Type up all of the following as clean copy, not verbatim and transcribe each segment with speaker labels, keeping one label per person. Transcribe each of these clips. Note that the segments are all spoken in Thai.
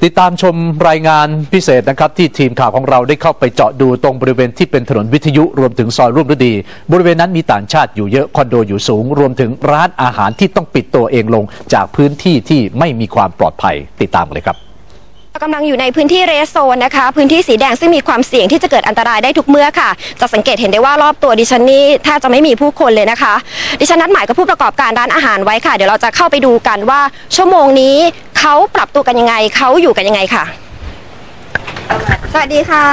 Speaker 1: ติดตามชมรายงานพิเศษนะครับที่ทีมข่าวของเราได้เข้าไปเจาะดูตรงบริเวณที่เป็นถนนวิทยุรวมถึงซอยร่วมฤดีบริเวณนั้นมีต่างชาติอยู่เยอะคอนโดอยู่สูงรวมถึงร้านอาหารที่ต้องปิดตัวเองลงจากพื้นที่ที่ไม่มีความปลอดภัยติดตามกันเลยครับ
Speaker 2: กำลังอยู่ในพื้นที่เรสโซนนะคะพื้นที่สีแดงซึ่งมีความเสี่ยงที่จะเกิดอันตรายได้ทุกเมื่อค่ะจะสังเกตเห็นได้ว่ารอบตัวดิฉันนี่แทบจะไม่มีผู้คนเลยนะคะดิฉันนัดหมายกับผู้ประกอบการร้านอาหารไว้ค่ะเดี๋ยวเราจะเข้าไปดูกันว่าชั่วโมงนี้เขาปรับตัวกันยังไงเขาอยู่กันยังไงค่ะสวัสดีค่ะ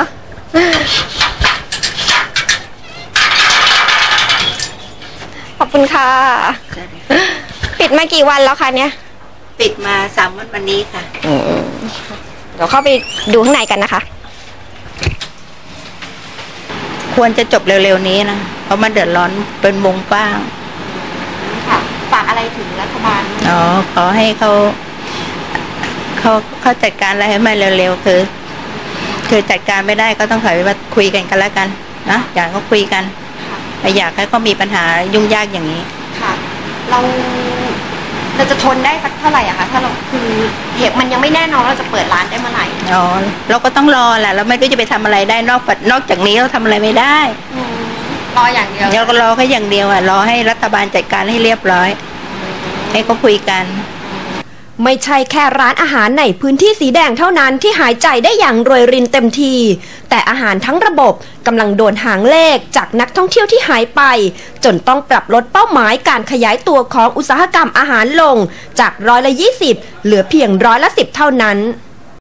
Speaker 2: ขอบคุณค่ะปิดมากี่วันแล้วคะเนี่ย
Speaker 3: ปิดมา3 วันนี้ค่ะ
Speaker 2: เดี๋ยวเข้าไปดูข้างในกันนะคะ
Speaker 3: ควรจะจบเร็วๆนี้นะเพราะมันเดือดร้อนเป็นวงกว้าง
Speaker 2: ค่ะฝากอะไรถึงรัฐบาล
Speaker 3: ขอให้เขาจัดการอะไรให้มันเร็วๆคือจัดการไม่ได้ก็ต้องถอยมาคุยกันแล้วกันนะอย่างก็คุยกันไม่อยากให้เขามีปัญหายุ่งยากอย่างนี้
Speaker 2: ค่ะเราจะทนได้สักเท่าไหร่อะคะถ้าเราคือเหตุมันยังไม่แน่นอนเราจะเปิดร้านได้เมื่อไหร่
Speaker 3: เราก็ต้องรอแหละเราไม่รู้จะไปทำอะไรได้นอกจากนี้เราทำอะไรไม่ได้
Speaker 2: รออย่างเดียว
Speaker 3: เราก็รอแค่อย่างเดียวรอให้รัฐบาลจัดการให้เรียบร้อยให้เขาคุยกัน
Speaker 4: ไม่ใช่แค่ร้านอาหารในพื้นที่สีแดงเท่านั้นที่หายใจได้อย่างโรยรินเต็มทีแต่อาหารทั้งระบบกำลังโดนหางเลขจากนักท่องเที่ยวที่หายไปจนต้องปรับลดเป้าหมายการขยายตัวของอุตสาหกรรมอาหารลงจาก20%เหลือเพียง10%เท่านั้น